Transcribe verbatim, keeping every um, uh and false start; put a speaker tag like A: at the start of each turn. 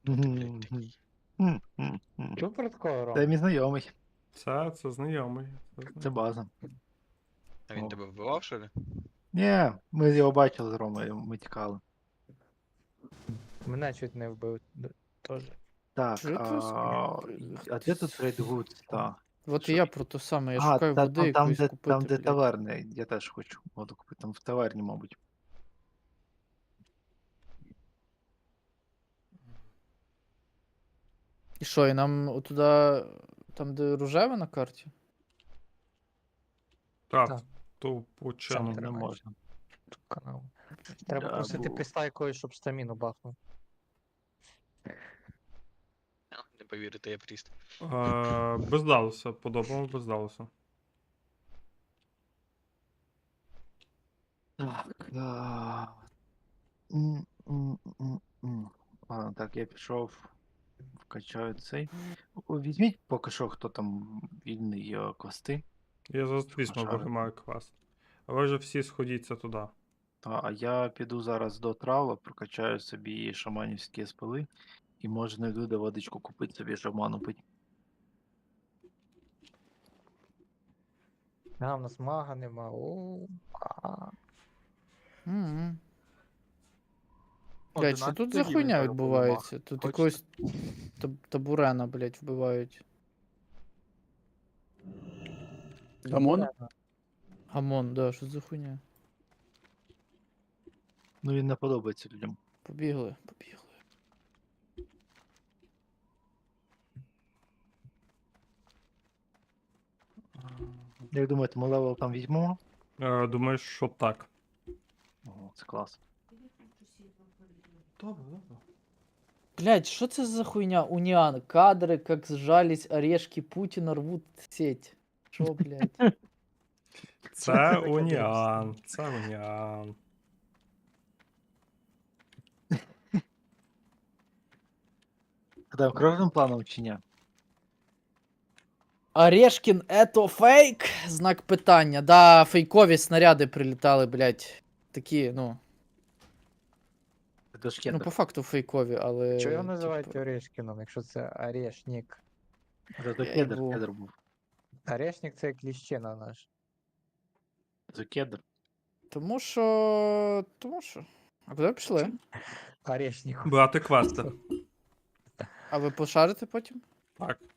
A: блядь, такий?
B: Супер
C: Це мій знайомий.
D: Це, це знайомий. Це
C: Це
D: знайомий.
C: база.
A: А він
C: О.
A: тебе вбивав, що ли?
C: Ні, ми його бачили з Ромою, ми тікали.
B: Мене чуть не вбив д- теж.
C: Так,
E: Чого ти
C: а,
E: з-
C: а де тут Рейдвуд? Та.
E: От
C: Що?
E: і я про те саме, я
C: А,
E: шукаю
C: та,
E: води
C: там, там,
E: якоїсь
C: де,
E: купити,
C: там, де
E: блядь.
C: таверни, я теж хочу воду купити, там в таверні, мабуть.
E: І що, і нам туди, там де рожеве на карті?
D: Так,
B: Так.
D: ту
C: Ні,
D: почину.
C: не
B: тримай.
C: можна.
B: Канал. Треба
C: Да,
B: просити
C: бу-
B: піста якоїсь, щоб стаміну бахнув.
A: А, Не повірите, я пріст.
D: Е, без Далуса, подобало без Далуса.
C: Так, да. М, м, м, м. Ладно, так, я пішов, вкачаю цей. О, візьміть поки що, хто там вільний е, квести.
D: Я зараз візьму,
C: Пошарити.
D: вигримаю квест. А ви вже всі сходіться туди.
C: Та, а я піду зараз до трава, прокачаю собі шаманівські спили і може знайду де водичку купити собі шаману пить.
B: А, в нас мага нема. О, а.
E: М. Блядь, що тут за
C: одинадцятий
E: хуйня
C: рівень
E: відбувається? Тут
C: Хочете?
E: якогось таб- табурена, блядь, вбивають.
F: Гамон?
E: Гамон, да, що за хуйня?
C: Ну він не подобається людям.
E: Побігли, побігли.
C: Як думаєте, ми левел там візьмемо?
D: Е, думаю, що так.
C: Ого, це клас.
D: Добре, добре.
E: Блядь, що це за хуйня? Уніан. Кадри, как сжались орешки Путіна, рвуть сеть. Що, блядь?
D: Це уніан. Це уніан.
C: Там кружним планом чи ні?
E: Орешкін, это фейк? Знак питання. Да, фейкові снаряди прилітали, блядь. Такі, ну.
C: Це до шкета.
E: Ну, по факту фейкові, але.
B: Чого його називають
E: типу,
B: Орешкіном, якщо це Орешнік?
C: Це до
E: я
C: кедр,
E: їбу.
C: кедр був.
B: Орешнік це кліщина наш.
C: Це кедр.
E: Тому що. Тому що. А куди ви пішли?
B: Орешнік.
D: Брати квести.
E: А ви пошарите потім?
D: Так.